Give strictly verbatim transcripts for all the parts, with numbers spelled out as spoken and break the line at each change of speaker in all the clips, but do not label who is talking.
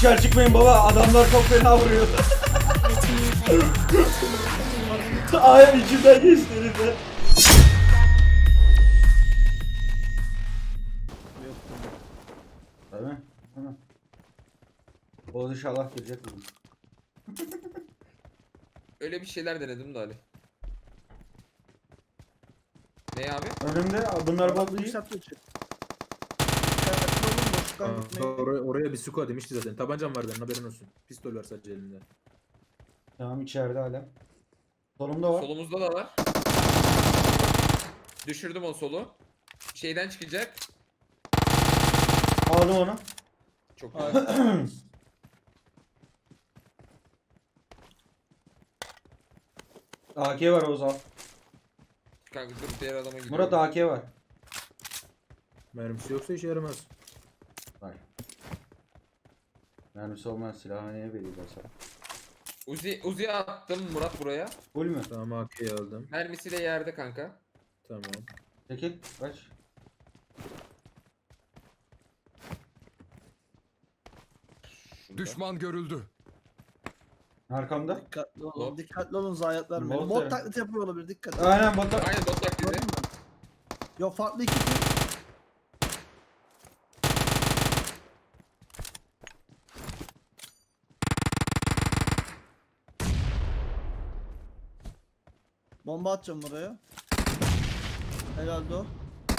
dışarı çıkmayın baba, adamlar çok fena vuruyor. Ayağım içimden geçti herifler. Değil mi? Hı. O inşallah girecek bugün.
Öyle bir şeyler denedim de Ali. Ne abi?
Önümde bunlar bot değil.
Yükseltiyor çek. Dikkatli olun, boşluktan
Aa,
gitmeyin.
oraya, oraya bir suko demişti zaten. Tabancam vardı, haberin olsun. Pistol var sadece elinde.
Tamam, içeride hala. Solumda var.
Solumuzda da var. Düşürdüm o solu. Şeyden çıkacak.
Aldım onu.
Çok güzel.
A K var Oğuz al.
Kanka dur diğer adama gidiyorum.
Murat A K var.
Mermisi yoksa işe yaramaz.
Var. Mermisi olmayan silahı neye veriyorlar sana?
Uzi, Uzi'ye attım Murat buraya.
Full mü?
Tamam, A K'yi aldım.
Mermisi de yerde kanka.
Tamam.
Çekil. Kaç.
Şurada.
Düşman görüldü.
Arkamda.
Dikkatli olun,
Hop.
dikkatli olun zayiat vermeyin.
Bot
Bot
yani.
taklidi yapıyor olabilir, dikkat edin.
Aynen bota.
Aynen bot taklidi.
Gördün mü? Yok, farklı iki tür. Bomba atacağım buraya. Herhalde o.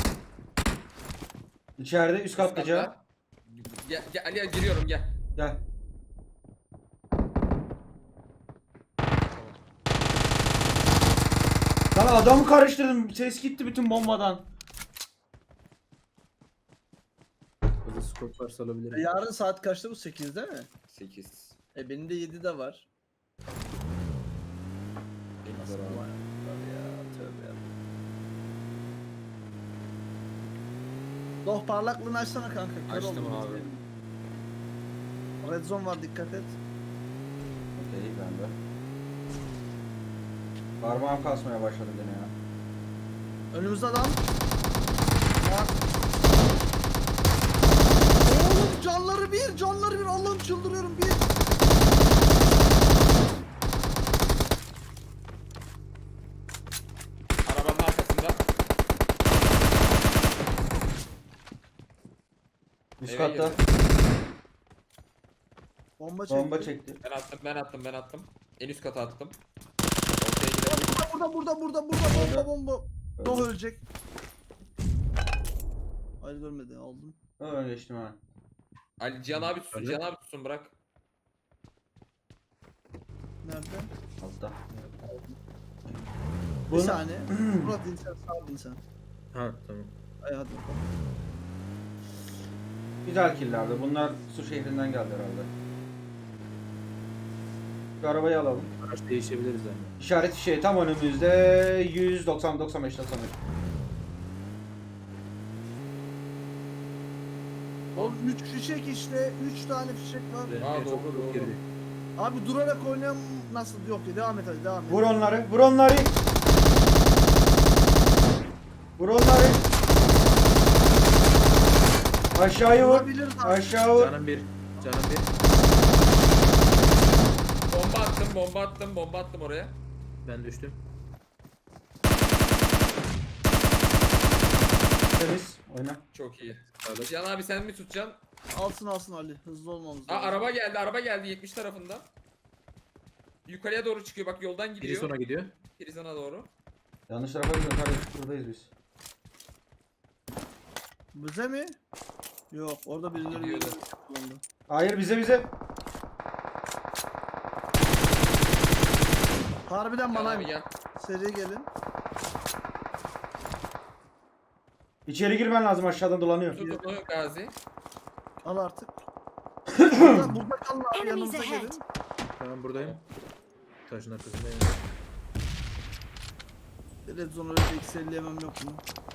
İçeride üst katlıca.
Gel, gel Ali'ye giriyorum gel.
Gel. Lan adamı karıştırdım. Ses gitti bütün bombadan.
Hızlı skop varsa
E,
alabilirim.
yarın saat kaçta bu? sekizde mi?
sekiz.
E benim de yedide var. Nasıl
Beraber.
manyak ya, tövbe ya. Doh parlaklığını açsana kanka. Kör
Açtım
oldum
abi.
izleyelim. Red zone var, dikkat et.
Okey, ben de. Parmağım kasmaya başladı gene ya.
Önümüzde adam. Ya. Oğlum canları bir, canları bir. Allah'ım çıldırıyorum bir.
Arabanın arkasında.
Üst
Eve
katta.
girdi.
Bomba çekti.
Bomba çekti.
Ben attım ben attım ben attım. En üst kata attım. Ortaya gidelim.
Burada, burada, burada, burada, burada, bomba, bomba. Doh
Öldü.
ölecek. Hayır, görmedi, aldım.
Öyle geçtim ha.
Ali Cihan abi tutsun
Öyle.
Cihan abi tutsun bırak.
Nerede?
Altta.
Bir
Bunu-
saniye. Murat insan, sağ insan.
Ha tamam.
Ay hadi bakalım.
Güzel killerdi. Bunlar su şehrinden geldi herhalde. Şu arabayı alalım.
Araç değişebiliriz yani.
İşaret şey tam önümüzde yüz doksan doksan beş doksan beş.
Oğlum üç fişek işte, üç tane fişek var.
Benim
Aa,
en
doğru,
çok
doğru.
girdi.
Abi durarak oynayan nasıl? Yok ya, devam et hadi, devam et.
Vur onları, vur onları. Vur onları. Aşağıya vur.
Vurabilir abi.
Aşağı vur.
Canım bir. Canım bir.
Bomba attım bomba attım bomba attım oraya.
Ben düştüm.
Temiz. Oyna.
Çok iyi.
Evet.
Cihan abi sen mi tutacaksın?
Alsın alsın Ali, hızlı olmamız
Aa
lazım.
araba geldi araba geldi yetmiş tarafından. Yukarıya doğru çıkıyor bak yoldan
Biri
gidiyor.
sona gidiyor.
Prizana doğru.
Yanlış tarafa gidiyoruz. Hadi buradayız biz.
Bize mi? Yok, orada birileri
Gidiyordu.
birileri kullandı.
Hayır, bize bize.
Harbiden
Cihan
bana
abi gel.
seri gelin.
İçeri girmen lazım, aşağıdan dolanıyor.
Tut onu Gazi.
Al artık. burada, burada kalın abi,
Enemies
yanımıza
ahead.
gelin.
Tamam, buradayım. Taşın arkasındayım.
Red zone öyle eksi elli yemem yok mu?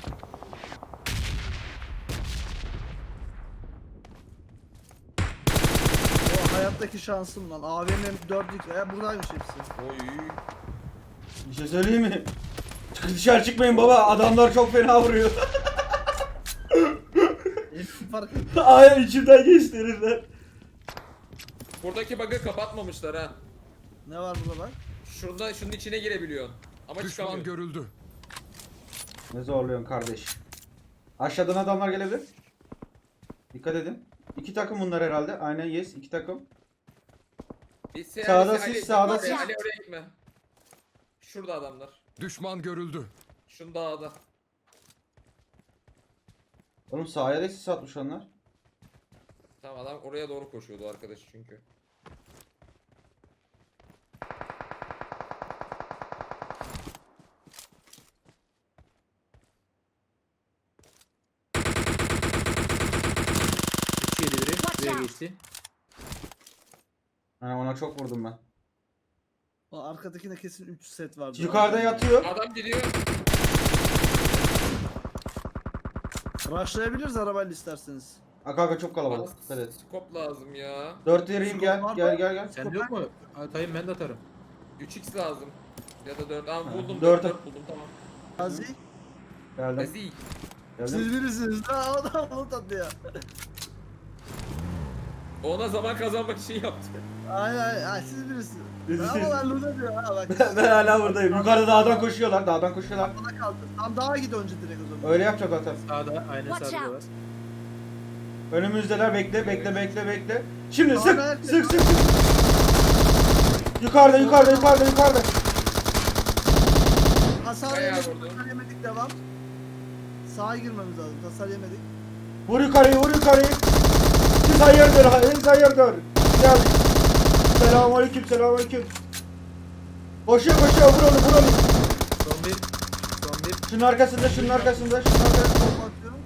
O hayattaki şansım lan. A V M dört x ya, buradaymış hepsi.
Oy.
Bir şey söyleyeyim mi? Çık- Dışarı çıkmayın baba, adamlar çok fena vuruyor.
Hepsi fark
Ayağım içimden geçti herifler.
Buradaki bug'ı kapatmamışlar ha.
Ne var burada bak?
Şurada şunun içine girebiliyorsun. Ama
Düşman
çıkamıyorsun.
görüldü.
Ne zorluyorsun kardeş. Aşağıdan adamlar gelebilir. Dikkat edin. İki takım bunlar herhalde. Aynen yes iki takım.
Bir se-
Sağda
Ali-
siz,
Ali-
sağda
Ali-
siz.
Ali oraya gitme. Şurada adamlar.
Düşman görüldü.
Şunu dağda.
Oğlum sahaya da sis atmış onlar.
Tamam adam oraya doğru koşuyordu arkadaş çünkü.
üç yedi biri.
Watch
Buraya
out.
geçti.
Yani ona çok vurdum ben.
O arkadakine kesin üç set vardı.
Yukarıda yatıyor.
Adam gidiyor.
Rushlayabiliriz arabayla isterseniz.
Aka aka çok
Bana
kalabalık. Dikkat et.
scope lazım ya.
Dört vereyim gel.
Skop var
Gel
mı?
gel gel.
Sende yok mu? Atayım ben de atarım.
üç x lazım. Ya da dört. Aa buldum.
dört.
dört buldum tamam.
Gazi.
Geldim.
Ezi.
Siz
Geldim.
birisiniz. Ha o da onu tadı ya.
Ona zaman kazanmak için yaptı.
Ay ay ay siz birisiniz.
Biz-
Ama ben Luna diyor ha bak.
Ben hala buradayım. Yukarıda dağdan koşuyorlar. Dağdan koşuyorlar.
Bana kaldı. Tam dağa git önce direkt o zaman.
Öyle yapacak zaten.
Sağda aynen
Watch
sağda da
out.
var.
Önümüzdeler. Bekle bekle bekle bekle. Şimdi
Abi,
sık
herkes-
sık sık sık. Yukarıda yukarıda yukarıda yukarıda.
Hasar
Bayağı
yemedik.
vurdu.
Hasar yemedik devam. Sağa girmemiz lazım. Hasar yemedik.
Vur yukarıyı vur yukarıyı. Siz hayırdır siz hayırdır. Gel. Selamünaleyküm selamünaleyküm. Koşuyor koşuyor vur onu vur onu.
Son bir. Son bir.
Şunun arkasında şunun arkasında şunun arkasında.
Bomba atıyorum.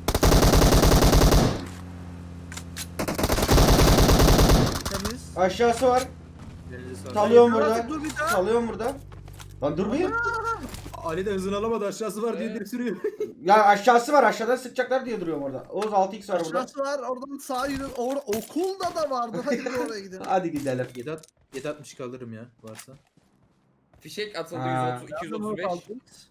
Temiz.
Aşağısı var.
Elinize sağlık.
Salıyorum
Dur,
burada.
dur bir daha.
Salıyorum burada. Lan dur bir.
Ali de hızını alamadı aşağısı var diye
Evet.
direkt sürüyor.
Ya aşağısı var aşağıdan sıkacaklar diye duruyorum orada. Oğuz altı x var burada.
Aşağısı var. Oradan sağa yürü. Orada okulda da vardı. Hadi bir oraya gidelim.
Hadi gidelim.
yedi at- yedi altmış kaldırırım ya varsa.
Fişek atıldı
Ha.
yüz otuz, iki yüz otuz beş.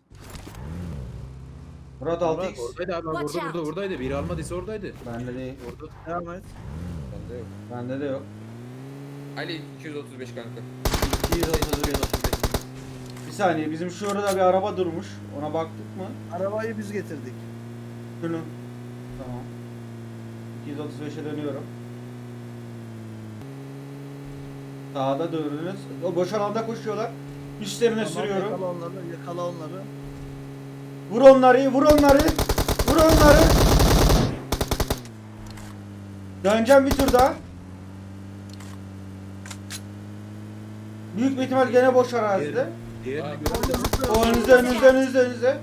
Murat altı
Murat
x.
oradaydı abi
Watch
burada burada
out.
oradaydı. Biri almadıysa oradaydı.
Bende değil.
Orada.
Devam et.
Bende yok.
Bende de yok.
Ali iki yüz otuz beş kanka.
iki yüz otuz beş. Bir saniye bizim şurada bir araba durmuş. Ona baktık mı?
Arabayı biz getirdik.
Şunu. Tamam. iki yüz otuz beşe dönüyorum. Sağda dönünüz. O boş alanda koşuyorlar. Üstlerine
Tamam,
sürüyorum.
Yakala onları. Yakala onları.
Vur onları, vur onları. Vur onları. Döneceğim bir tur daha. Büyük bir ihtimal gene boş arazide.
Diğerini
Abi.
gördüm.
O önünüzde, önünüzde, önünüzde, önünüzde.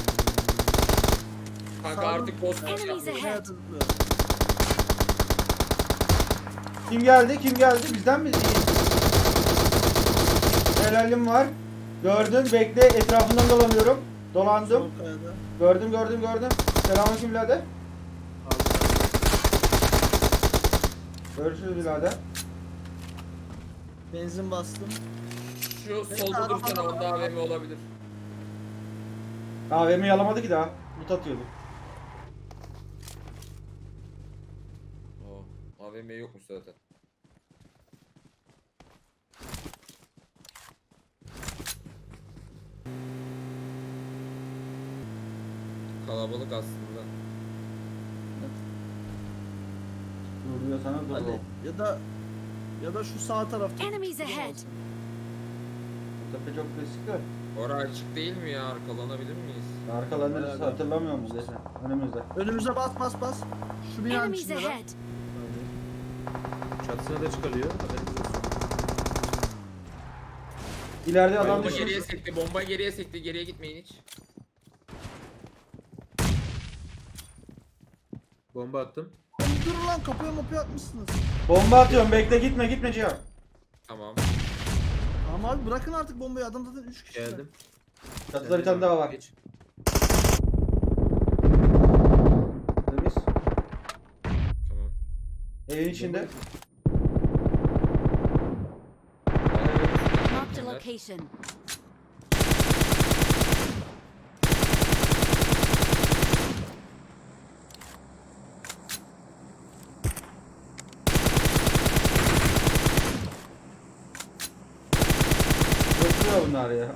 Kanka
Sağ
artık boss boss
Enemies
yapmıyor.
ahead.
Evet, zıplıyor.
Kim geldi, kim geldi? Bizden mi? İyi. Helalim var. Gördün, bekle. Etrafından dolanıyorum. Dolandım.
Sol kayada.
Gördüm, gördüm, gördüm. Selamünaleyküm birader. Görüşürüz birader.
Benzin bastım.
Şu solda dursana onda A V M olabilir.
A V M yalamadı ki daha. Mut atıyordu.
Oo, A V M yokmuş zaten. Kalabalık aslında.
Dur diyor sana dur.
Hadi.
oğlum.
Ya da ya da şu sağ tarafta.
Enemies ahead.
Bu tepe çok klasik de.
Ora açık değil mi ya? Arkalanabilir miyiz?
Arkalarını
Bayağı
hatırlamıyor musun desen? Önümüzde.
Önümüze bas bas bas. Şu binanın
Enemies
içinde lan.
ahead.
Çatısına da çıkarıyor. Haberiniz olsun.
İleride adam
Bomba geriye
düşmüş.
sekti, bomba geriye sekti. Geriye gitmeyin hiç.
Bomba attım.
Oğlum dur lan kapıya mapıya atmışsınız.
Bomba atıyorum bekle gitme gitme Cihan.
Tamam.
Tamam abi bırakın artık bombayı adam zaten üç kişi.
Geldim.
Çatıda bir tane daha var.
Geç.
Temiz.
Tamam.
Evin içinde.
Marked a location.
bunlar ya.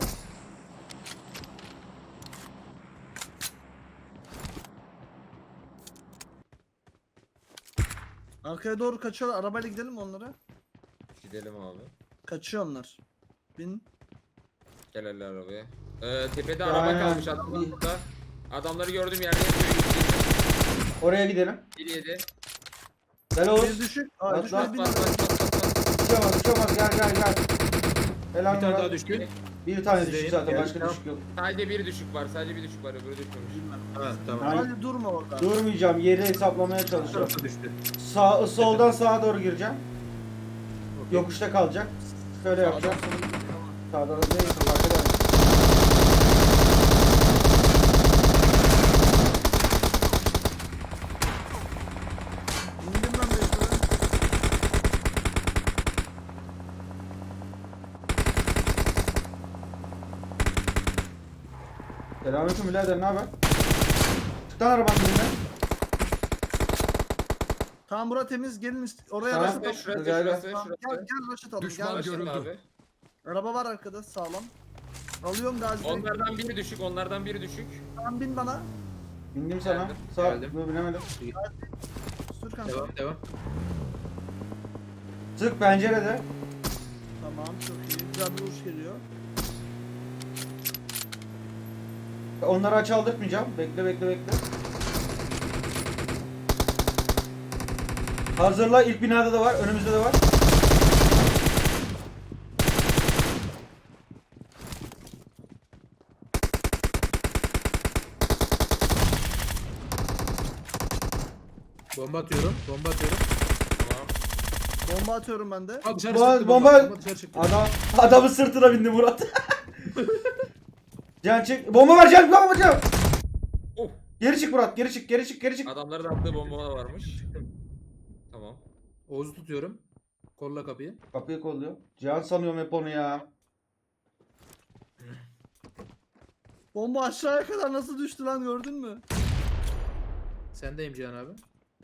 Arkaya doğru kaçıyorlar. Arabayla gidelim mi onlara?
Gidelim abi.
Kaçıyor onlar. Bin.
Gel hele arabaya. Ee, tepede
Aynen.
araba kalmış adamlar burada. Adamları gördüğüm yerde yatıyor.
Oraya gidelim.
bir yedi.
Gel
Bir
Oğuz.
düşük. Aa,
Bak,
düşmedi,
Bas
bin.
bas bas bas bas.
Uçamaz uçamaz gel gel gel. Helal
Bir tane
Murat.
daha düştü.
Bir tane
Sizdeyim.
düştü zaten
Gel,
başka
tamam.
düşük yok.
Sadece bir düşük var. Sadece bir düşük var. Öbürü düşmemiş.
Ha tamam.
Ay.
Hadi durma orada.
Durmayacağım yeri hesaplamaya
Bu
çalışıyorum.
tarafa düştü.
Sağ, soldan sağa doğru gireceğim.
Okey.
Yokuşta kalacak. Şöyle
Sağdan
yapacağım.
sola gidelim.
Sağdan da değil fark eder.
İndim ben de yukarı.
Selamünaleyküm birader ne haber? Çık lan arabanın önünden.
Tamam bura temiz. Gelin ist- oraya
Tamam.
rush atalım.
Şurası
Gel, gel.
şurası
Tamam, Gel
şurası.
gel rush atalım.
Düşman
Gel.
gör-
Görüldü
Görüldü.
abi.
Araba var arkada sağlam. Alıyorum da acil.
Onlardan biri düşük. Onlardan biri düşük.
Tamam bin bana.
Bindim sana.
Geldim,
Sağ
geldim.
Dur, binemedim.
Sür kanka.
Devam devam.
Sık pencerede.
Tamam çok iyi. Güzel bir vuruş geliyor.
Onları aç aldırtmayacağım. Bekle bekle bekle. Hazırla ilk binada da var. Önümüzde de var.
Bomba atıyorum. Bomba atıyorum.
Tamam.
Bomba atıyorum ben de.
Aa, dışarı
Bomba-
çıktı
bomba-
bomba. Dışarı çıktı.
Adam adamın sırtına bindi Murat. Can çık. Bomba var Can. Bomba var Can.
Oh.
Geri çık Murat. Geri çık. Geri çık. Geri çık.
Adamların attığı bomba da varmış. Tamam.
Oğuz'u tutuyorum. Kolla kapıyı.
Kapıyı kolluyor. Cihan sanıyorum hep onu ya.
Bomba aşağıya kadar nasıl düştü lan gördün mü?
Sendeyim Cihan abi.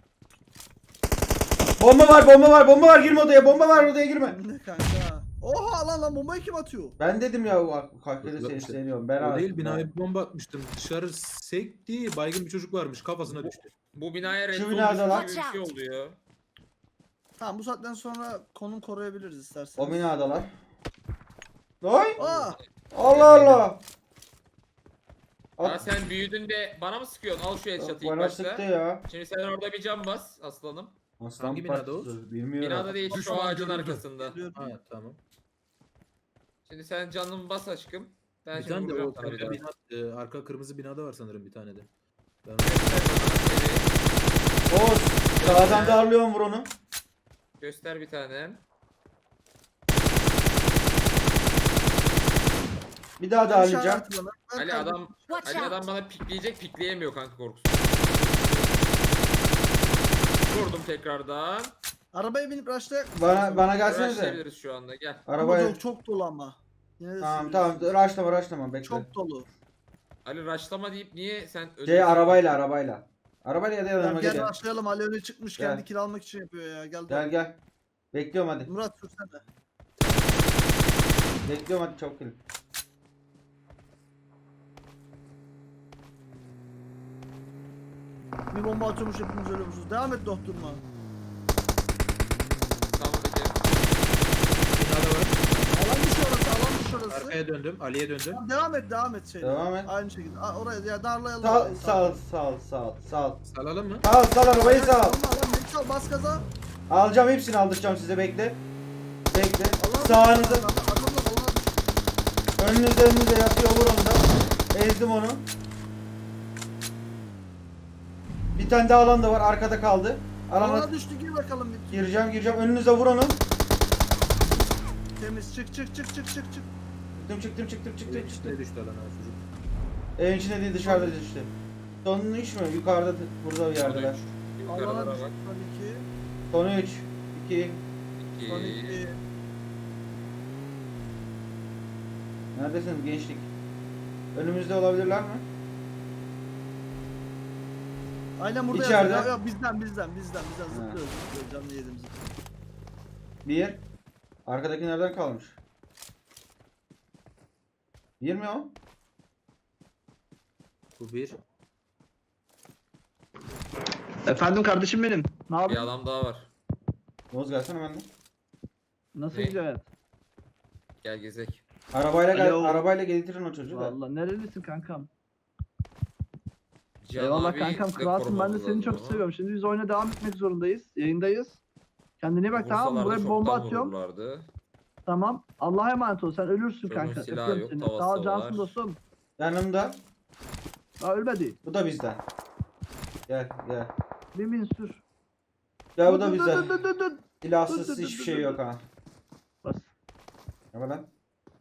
Bomba var. Bomba var. Bomba var. Girme odaya. Bomba var. Odaya girme.
Ne kanka? Oha lan lan bombayı kim atıyor?
Ben dedim ya o kalkede
Yok
seni
işte.
isteniyorum. Ben
O değil
artık-
binaya bir bomba atmıştım. Dışarı sekti. Baygın bir çocuk varmış. Kafasına düştü.
Bu binaya
Şu
red zone
binada
düşmüş
lan.
gibi bir şey oldu ya.
Tamam bu saatten sonra konum koruyabiliriz
O
isterseniz.
binadalar. Oy!
Aa!
Allah Allah!
Ya
At,
sen büyüdün de bana mı sıkıyorsun? Al şu headshot'ı ilk
bana
başta.
sıktı ya.
Şimdi sen orada bir cam bas aslanım.
Aslan
Hangi binada
parçası, Bilmiyorum.
Binada değil şu
Düşman
ağacın
görüldü.
arkasında.
Geliyorum.
Ha tamam.
Şimdi sen canını bas aşkım. Ben
Bir
şimdi
tane de
vuracağım
o
sana bir daha.
bina, e, arka kırmızı binada var sanırım bir tane de. Ben
Göster bana, evet.
Oğuz, sağdan darlıyorum vur onu.
Göster bir tane.
Bir daha darlayacağım.
İşaret bana. Ver
Ali
kardeşim.
adam
Watch
Ali adam
out!
bana pikleyecek, pikleyemiyor kanka korkusu. Vurdum tekrardan.
Arabaya binip rush'la.
Bana bana gelsenize.
Uğraşabiliriz şu anda gel.
Ama
Arabaya.
çok, çok dolu ama. Yine de
Tamam
sürüyorsun.
tamam. Raşlama raşlama bekle.
Çok dolu.
Ali raşlama deyip niye sen
Şey
ölüyorsun?
arabayla arabayla. Arabayla ya da yanıma
Gel,
gel.
gel rush'layalım. Ali öne çıkmış
Gel.
kendi kill almak için yapıyor ya. Gel.
Gel gel. Bekliyorum hadi.
Murat sürsene.
Bekliyorum hadi çabuk gelin.
Bir bomba atıyormuş hepimiz ölüyormuşuz. Devam et doktoruma.
Tamam peki.
binada var.
Alan dışı orası, alan dışı orası.
Arkaya döndüm. Ali'ye döndüm.
Tamam, devam et, devam et şeyle.
Devam et.
Aynı şekilde. Aa, oraya ya darlayalım.
Sal
orayı,
sal sal sal sal.
Salalım mı?
Sal sal arabayı sal.
Alma lan, ne sal, bas gaza.
Alacağım hepsini aldıracağım size bekle. Bekle.
Allah
Sağınıza.
Allah, adamla alana düş.
Önünüzde önünüzde yatıyor vur onu da. Ezdim onu. Bir tane daha alan da var arkada kaldı. Alana
Alana düştü, gir bakalım bir.
gireceğim gireceğim önünüze vur onu.
Temiz, çık çık çık çık çık çık.
Çıktım çıktım çıktım çıktım çıktım.
İçine düştü lan ha çocuk.
Evin içinde değil dışarıda düştü. Sonunu iş mi? Yukarıda burada bir yerdeler.
Yukarılara
Alana
bak.
düştü son iki.
Sonu üç. iki.
Son
İki.
iki.
Neredesiniz gençlik? Önümüzde olabilirler mi?
Aynen burada
İçeride.
yazıyor. Ya, bizden bizden bizden bizden zıplıyoruz zıplıyoruz canlı yediğimiz. için.
Bir. Arkadaki nereden kalmış? Bir mi o?
Bu bir.
Efendim kardeşim benim. Ne
Bir
yapıyorsun?
adam daha var.
Oğuz gelsene benden.
Nasıl
Ne?
gidiyor hayat?
Gel gezek.
Arabayla gel,
Alo.
arabayla getirin o çocuğu da.
Valla nerelisin kankam?
Cihan
Eyvallah
abi
kankam
de
kralsın, ben de
korumamız
seni
lazım
çok
ama.
seviyorum. Şimdi biz oyuna devam etmek zorundayız. Yayındayız. Kendine iyi bak, tamam mı?
Vursalardı
Buraya bir bomba
çoktan
atıyorum.
vururlardı.
Tamam. Allah'a emanet ol. Sen ölürsün
Çocuğun
kanka.
silahı
Öpüyorum
yok,
seni.
tavası
Sağ ol cansın
var.
dostum.
Yanımda.
Daha ölmedi.
Bu da bizden. Gel gel.
Bir bin sür.
Gel bu
Dur,
da
dur,
bizden.
dur, dur, dur, dur. Dur, dur,
Silahsız
dur,
hiçbir
dur,
şey
dur,
yok
dur.
ha.
Bas.
Yapma lan.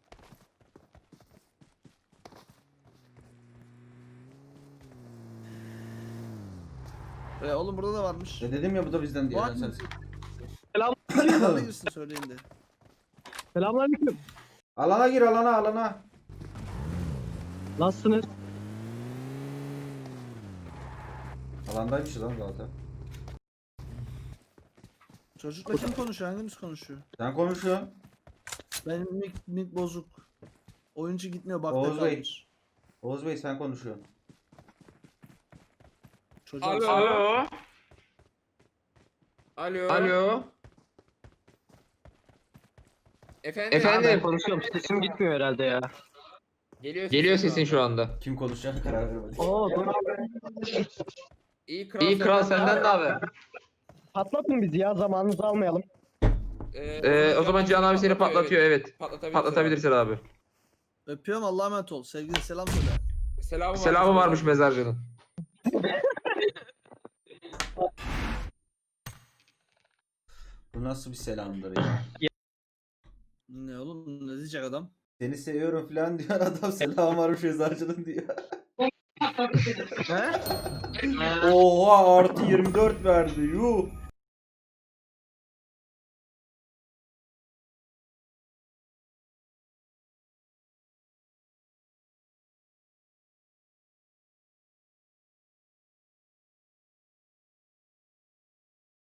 E, oğlum burada da varmış.
Ne dedim ya bu da bizden diye.
Var
lan
mı?
sen.
Adamla girsin söyleyin de.
Selamünaleyküm.
Alana gir alana alana.
Nasılsınız?
Alandaymışız lan zaten.
Çocukla kim konuşuyor? Hangimiz konuşuyor?
Sen konuşuyorsun.
Benim mik, mik bozuk. Oyuncu gitmiyor bak
Oğuz Bey.
kalmış.
Oğuz Bey sen konuşuyorsun.
Çocuğa
Alo.
Alo.
Alo.
Alo.
Efendim.
Efendim konuşuyorum. Sesim gitmiyor herhalde ya.
Geliyor,
Geliyor
sesin
sesin şu anda.
Kim konuşacağını karar veremedik.
Oo, dur.
İyi kral,
İyi kral senden ne haber?
Patlatın bizi ya, zamanınızı almayalım.
Ee, o zaman Cihan abi seni patlatıyor evet.
Patlatabilirsin.
Patlatabilirsin abi.
Öpüyorum, Allah'a emanet ol. Sevgili selam söyle.
Selamı,
Selamı varmış mezarcının.
Bu nasıl bir selamdır ya.
Ne oğlum, ne diyecek adam?
Seni seviyorum falan diyor adam, selam varmış eczacının diyor.
He?
Oha artı yirmi dört verdi yuh.